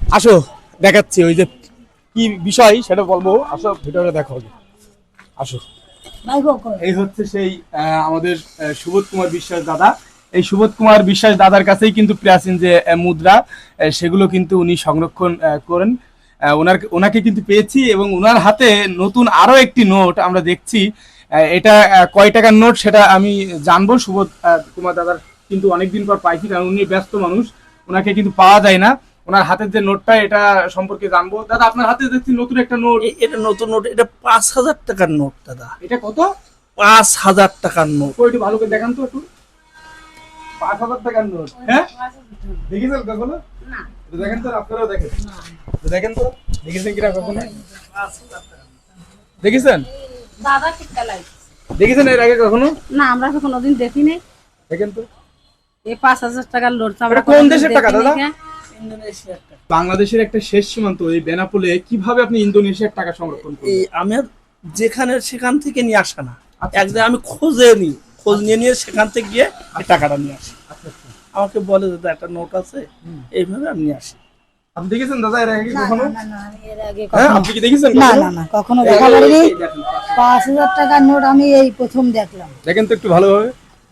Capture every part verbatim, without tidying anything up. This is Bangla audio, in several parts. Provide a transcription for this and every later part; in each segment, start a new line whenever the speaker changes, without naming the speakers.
আসো দেখাচ্ছি ওই যে কি বিষয় সেটা বলবো, আসো ভিডিওটা দেখো আগে। আসো, এই হচ্ছে সেই আহ, আমাদের আহ, সুবোধ কুমার বিশ্বাস দাদা। এই সুবোধ কুমার বিশ্বাস দাদার কাছেই কিন্তু প্রাচীন যে আহ, মুদ্রা আহ, সেগুলো কিন্তু উনি সংরক্ষণ আহ, করেন। আহ, ওনার ওনাকে কিন্তু পেয়েছি এবং ওনার হাতে নতুন আরো একটি নোট আমরা দেখছি। আহ, এটা আহ, কয় টাকার নোট সেটা আমি জানবো সুবোধ আহ, কুমার দাদার কিন্তু অনেকদিন পর পাইছি, কারণ উনি ব্যস্ত মানুষ, ওনাকে কিন্তু পাওয়া যায় না। ওনার হাতের যে নোটটা এটা সম্পর্কে জানবো। দাদা আপনার হাতে দেখছি নতুন একটা নোট।
এ- এটা নতুন নোট, এটা পাঁচ হাজার টাকার নোট দাদা।
এটা কত?
পাঁচ হাজার টাকার নোট।
ওই একটু ভালো করে দেখান তো একটু। পাঁচ হাজার টাকার নোট, হ্যাঁ দেখেছেন কখনো? একটু দেখেন তো, আপনারাও দেখেন, একটু দেখেন তো দেখেছেন কিনা কখনো? দেখেছেন?
দাদা টিকা লাগছে
দেখেছেন এর আগে কখনো?
না, আমরা তো কোনোদিন দেখি নাই।
দেখেন তো।
এই পাঁচ হাজার টাকার লোড আমরা
এটা কোন
কোনোদিন
দেশের টাকা
দেখিনি
দাদা?
কে।
ইন্দোনেশিয়ার টাকা।
বাংলাদেশের একটা শেষ সীমান্ত এই বেনাপোলে কিভাবে আপনি ইন্দোনেশিয়ার টাকা সংরক্ষণ
এই
করবেন?
আমি আর যেখানে সেখান থেকে নিয়ে আসা না,
আচ্ছা।
এক জায়গায় আমি খোঁজে নিই, খোঁজ নিয়ে নিয়ে সেখান থেকে গিয়ে এই টাকাটা নিয়ে আসি।
আচ্ছা আচ্ছা।
আমাকে বলে দাদা একটা নোট আছে, এইভাবে আমি নিয়ে আসি।
আপনি দেখেছেন দাদা এর আগে কখনো?
না, না, আমি এর আগে
হ্যাঁ
কখনো-
আপনি কি দেখেছেন
না
কখনো?
না না কখনো
এই-
দেখা
এই-
করিনি।
এই দেখেন,
পাঁচ হাজার টাকার নোট আমি এই প্রথম দেখলাম।
দেখেন তো একটু ভালোভাবে।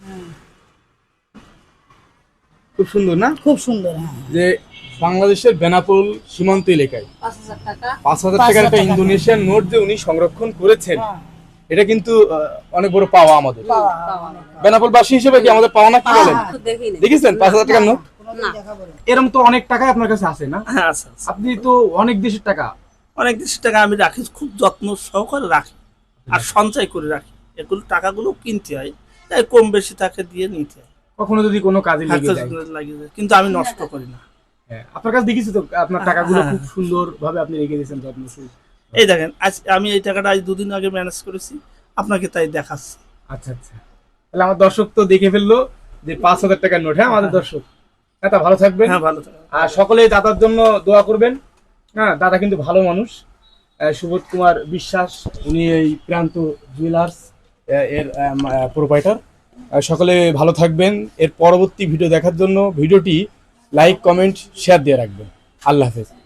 খুব সুন্দর না?
খুব সুন্দর। হ্যাঁ,
যে বাংলাদেশের বেনাপোল সীমান্ত এলাকায়
পাঁচ হাজার টাকা
পাঁচ হাজার
পাঁচ
টাকার
হাজার
একটা
টাকা।
ইন্দোনেশিয়ান নোট যে উনি সংরক্ষণ করেছেন,
হ্যাঁ,
এটা কিন্তু আহ, অনেক বড় পাওয়া আমাদের।
পাওয়া।
বেনাপোল বাসী হিসেবে কি আমাদের পাওয়া না, কি বলেন?
তো দেখি নাই।
দেখেছেন পাঁচ হাজার টাকার নোট?
কোনোদিন দেখা করিনি।
এরকম তো অনেক টাকা আপনার কাছে আছে না?
হ্যাঁ আচ্ছা আচ্ছা।
আপনি তো অনেক দেশের টাকা।
অনেক দেশের টাকা আমি রাখি, খুব যত্ন সহকারে রাখি আর সঞ্চয় করে রাখি। এগুলো টাকাগুলো কিনতে হয়, তাই কম বেশি তাকে দিয়ে নিতে হয়।
কখনো যদি কোনো কাজে লেগে যায়।
হাতে লাগিয়ে যায়, কিন্তু আমি নষ্ট করি না।
হ্যাঁ, আপনার কাছে দেখেছি তো আপনার টাকাগুলো
হ্যাঁ।
খুব সুন্দর ভাবে আপনি রেখে দিয়েছেন যত্ন সহিত।
এই দেখেন, আজ আমি এই টাকাটা আজ দুদিন আগে ম্যানেজ করেছি, আপনাকে তাই দেখাচ্ছি।
আচ্ছা আচ্ছা, তাহলে আমার দর্শক তো দেখে ফেললো যে পাঁচ হাজার টাকার নোট। হ্যাঁ আমাদের দর্শক, হ্যাঁ তা ভালো থাকবেন।
হ্যাঁ ভালো থাকবেন।
আর সকলেই দাদার জন্য দোয়া করবেন। হ্যাঁ দাদা কিন্তু ভালো মানুষ। আহ, সুবোধ কুমার বিশ্বাস, উনি এই প্রান্ত জুয়েলার্স আহ, এর প্রোপাইটার। সকলে ভালো থাকবেন। এর পরবর্তী ভিডিও দেখার জন্য ভিডিওটি লাইক কমেন্ট শেয়ার দিয়ে রাখবেন। আল্লাহ হাফেজ।